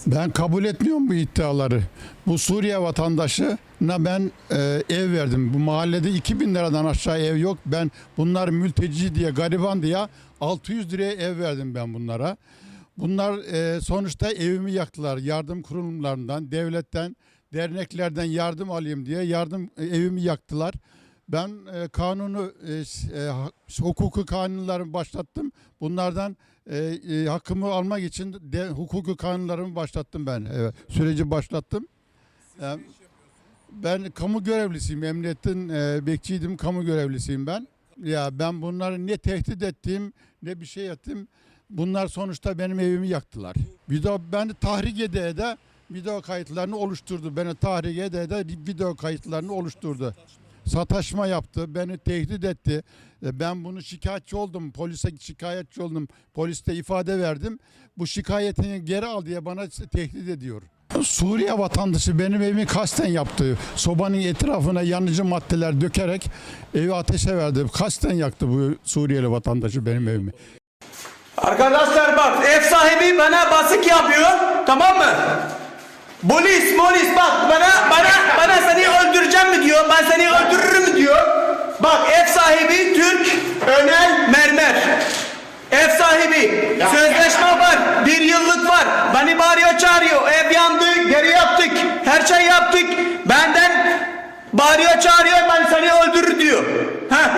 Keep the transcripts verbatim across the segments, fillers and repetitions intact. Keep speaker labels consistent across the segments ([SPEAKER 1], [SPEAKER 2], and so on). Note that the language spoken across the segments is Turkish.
[SPEAKER 1] Ben kabul etmiyorum bu iddiaları. Bu Suriye vatandaşına ben e, ev verdim. Bu mahallede iki bin liradan aşağı ev yok. Ben bunlar mülteci diye, gariban diye altı yüz liraya ev verdim ben bunlara. Bunlar e, sonuçta evimi yaktılar. Yardım kurumlarından, devletten, derneklerden yardım alayım diye yardım e, evimi yaktılar. Ben e, kanunu, e, e, hukuku kanunlarımı başlattım. Bunlardan e, e, hakkımı almak için de, hukuku kanunlarımı başlattım ben. Evet, süreci başlattım. E, ben kamu görevlisiyim. Emniyetin e, bekçiydim, kamu görevlisiyim ben. Ya ben bunları ne tehdit ettim, ne bir şey ettim. Bunlar sonuçta benim evimi yaktılar. Video beni tahrik ede ede video kayıtlarını oluşturdu. Beni tahrik ede ede video kayıtlarını oluşturdu. Sataşma yaptı, beni tehdit etti. Ben bunu şikayetçi oldum, polise şikayetçi oldum, poliste ifade verdim. Bu şikayetini geri al diye bana tehdit ediyor. Suriye vatandaşı benim evimi kasten yaptı. Sobanın etrafına yanıcı maddeler dökerek evi ateşe verdi. Kasten yaktı bu Suriyeli vatandaşı benim evimi.
[SPEAKER 2] Arkadaşlar bak, ev sahibi bana baskı yapıyor, tamam mı? Polis, polis bak bana bana bana seni öldüreceğim mi diyor, ben seni öldürürüm mü diyor. Bak ev sahibi Türk Önel Mermer. Ev sahibi sözleşme var, bir yıllık var. Beni bağırıyor çağırıyor, ev yandı, geri yaptık, her şey yaptık. Benden bağırıyor çağırıyor, ben seni öldürür diyor. Heh.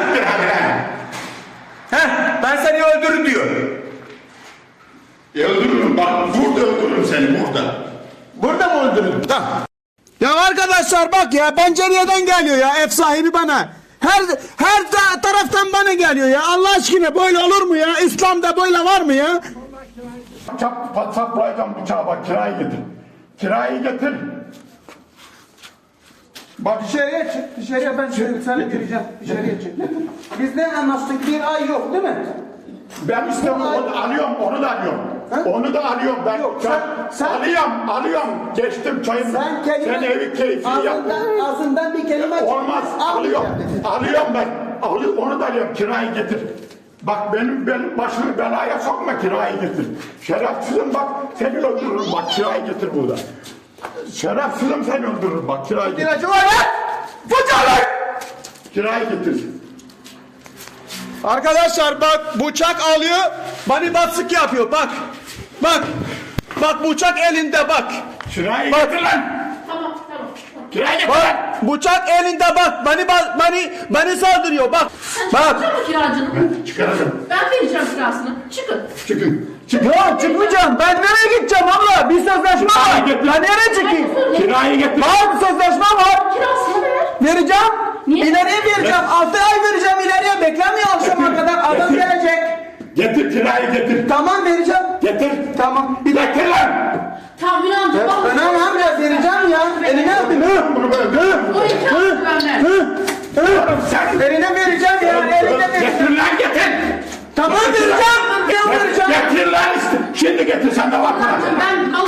[SPEAKER 2] Heh, ben seni öldürür diyor.
[SPEAKER 3] E öldürürüm bak, burada öldürürüm seni burada.
[SPEAKER 2] Burada mı öldürürüm? Tamam. Ya arkadaşlar bak ya, pencereden geliyor ya ev sahibi bana. Her her ta taraftan bana geliyor ya. Allah aşkına böyle olur mu ya? İslam'da böyle var mı ya?
[SPEAKER 3] Çap patsaklayacağım bıçağı bak, kirayı getir. Kirayı getir. Bak
[SPEAKER 4] Dışarıya çık, dışarıya ben seni, seni gireceğim. Dışarıya çık. Biz ne anlaştık? Bir ay yok değil mi?
[SPEAKER 3] ben istiyorum, onu alıyorum, onu da alıyorum.
[SPEAKER 4] Ha?
[SPEAKER 3] Onu da alıyorum ben.
[SPEAKER 4] Yok,
[SPEAKER 3] Çay-
[SPEAKER 4] sen- sen-
[SPEAKER 3] alıyorum, alıyorum. Geçtim çayımı.
[SPEAKER 4] Sen kelime...
[SPEAKER 3] Sen evi keyfini yap.
[SPEAKER 4] ağzından, ağzından bir kelime...
[SPEAKER 3] Olmaz, alıyorum.
[SPEAKER 4] Almayacağım dedi.
[SPEAKER 3] Alıyorum ben. Alıyorum, onu da alıyorum, kirayı getir. Bak benim benim başımı belaya sokma, kirayı getir. Şerefsizim bak, seni öldürürüm bak, kirayı getir burada. Şerefsizim, seni öldürürüm bak, kirayı getir.
[SPEAKER 2] İlacı var ya! Bıçak!
[SPEAKER 3] Kirayı getir.
[SPEAKER 2] Arkadaşlar bak, bıçak alıyor, bana baskı yapıyor bak. Bak. Bak bıçak elinde bak.
[SPEAKER 3] Kirayı
[SPEAKER 2] Bak.
[SPEAKER 3] getir lan.
[SPEAKER 5] Tamam, tamam.
[SPEAKER 3] Kirayı getir lan.
[SPEAKER 2] Bak bıçak elinde bak. Beni beni beni saldırıyor bak. Bak.
[SPEAKER 5] Çıkar mı kiracını?
[SPEAKER 3] Çıkaracağım.
[SPEAKER 5] Ben vereceğim kirasını. Çıkın.
[SPEAKER 3] Çıkın. Çıkın.
[SPEAKER 2] Ya çıkmayacağım. Ben nereye gideceğim abla? Bir sözleşme var.
[SPEAKER 3] getir.
[SPEAKER 2] Ben nereye çıkayım?
[SPEAKER 3] Kirayı getir.
[SPEAKER 2] Var bir sözleşme var.
[SPEAKER 5] Kirasını ver.
[SPEAKER 2] Vereceğim.
[SPEAKER 5] Niye?
[SPEAKER 2] İleriye vereceğim. Altı ay vereceğim ileriye. Beklemiyor akşama kadar. Adam
[SPEAKER 3] Getir.
[SPEAKER 2] gelecek.
[SPEAKER 3] Getir, kirayı getir.
[SPEAKER 2] Tamam vereceğim.
[SPEAKER 3] Getir.
[SPEAKER 2] Tamam. Bir dakika.
[SPEAKER 3] Getir lan.
[SPEAKER 5] Tamam Ünal amca. bak.
[SPEAKER 2] Ben ama ya vereceğim ya. Eline yapayım. Hı.
[SPEAKER 3] Bunu böyle.
[SPEAKER 2] Hı.
[SPEAKER 5] Oraya kirasını ben ver.
[SPEAKER 2] Hı. Hı.
[SPEAKER 3] Sen
[SPEAKER 2] Eline vereceğim